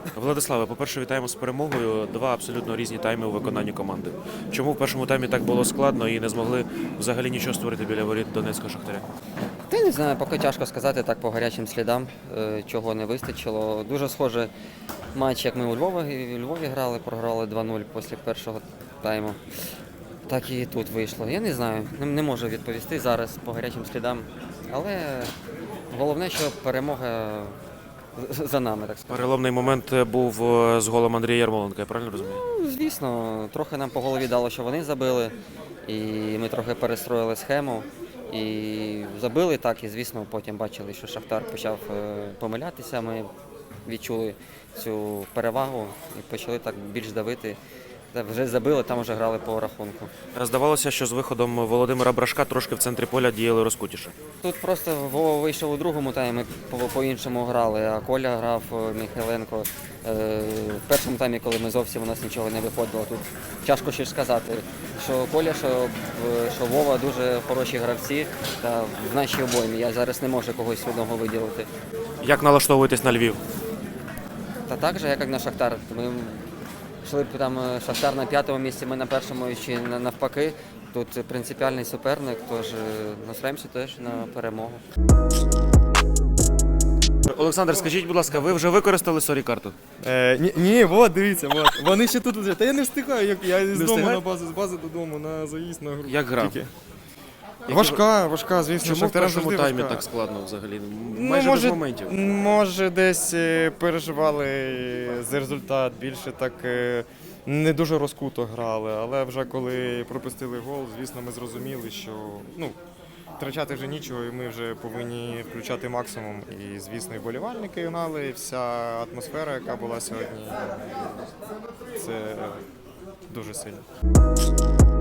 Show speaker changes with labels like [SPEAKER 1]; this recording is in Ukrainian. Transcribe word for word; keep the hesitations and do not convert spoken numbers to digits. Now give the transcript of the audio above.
[SPEAKER 1] Владиславе, по-перше, вітаємо з перемогою. Два абсолютно різні тайми у виконанні команди. Чому в першому таймі так було складно і не змогли взагалі нічого створити біля воріт Донецького Шахтаря?
[SPEAKER 2] Та й не знаю, поки тяжко сказати так по гарячим слідам, е, чого не вистачило. Дуже схожий матч, як ми у Львові, у Львові грали, програли два нуль після першого тайму. Так і тут вийшло. Я не знаю, не, не можу відповісти зараз по гарячим слідам. Але головне, що перемога за нами, так сказати.
[SPEAKER 1] Переломний момент був е, з голом Андрія Ярмоленка, я правильно розумію?
[SPEAKER 2] Ну, звісно, трохи нам по голові дало, що вони забили, і ми трохи перестроїли схему. І забили так, і звісно, потім бачили, що Шахтар почав е, помилятися. Ми відчули цю перевагу і почали так більш давити. Та вже забили, там вже грали по рахунку.
[SPEAKER 1] Здавалося, що з виходом Володимира Брашка трошки в центрі поля діяли розкутіше.
[SPEAKER 2] Тут просто Вова вийшов у другому таймі, ми по- по-іншому грали, а Коля грав е, Михайленко. Е, В першому таймі, коли ми зовсім у нас нічого не виходило, тут тяжко щось сказати, що Коля, що, е, що Вова дуже хороші гравці та в нашій обоймі. Я зараз не можу когось одного виділити.
[SPEAKER 1] Як налаштовуєтесь на Львів?
[SPEAKER 2] Та так же, як і на Шахтар. Ми йшли б там е, Шахтар на п'ятому місці, ми на першому чи на- навпаки. Тут принципіальний суперник, тож е, настроїмося теж на перемогу.
[SPEAKER 1] Олександр, скажіть, будь ласка, ви вже використали сорі-карту?
[SPEAKER 3] Е, ні, ні, от, дивіться, от. Вони ще тут лежать. Та я не встигаю, як я з дому
[SPEAKER 1] встигаєте?
[SPEAKER 3] на базу, з бази додому, на заїзд, на гру.
[SPEAKER 1] Як гра?
[SPEAKER 3] Тільки. Важка, важка, звісно,
[SPEAKER 1] Чому в
[SPEAKER 3] Шахтарям
[SPEAKER 1] першому
[SPEAKER 3] завжди
[SPEAKER 1] таймі
[SPEAKER 3] важка.
[SPEAKER 1] так складно взагалі?
[SPEAKER 3] Ну,
[SPEAKER 1] Майже
[SPEAKER 3] може,
[SPEAKER 1] без моментів.
[SPEAKER 3] Може, десь е, переживали за результат, більше так е, не дуже розкуто грали, але вже коли пропустили гол, звісно, ми зрозуміли, що ну, втрачати вже нічого, і ми вже повинні включати максимум. І, звісно, і болівальники гнали, і вся атмосфера, яка була сьогодні, це дуже сильно.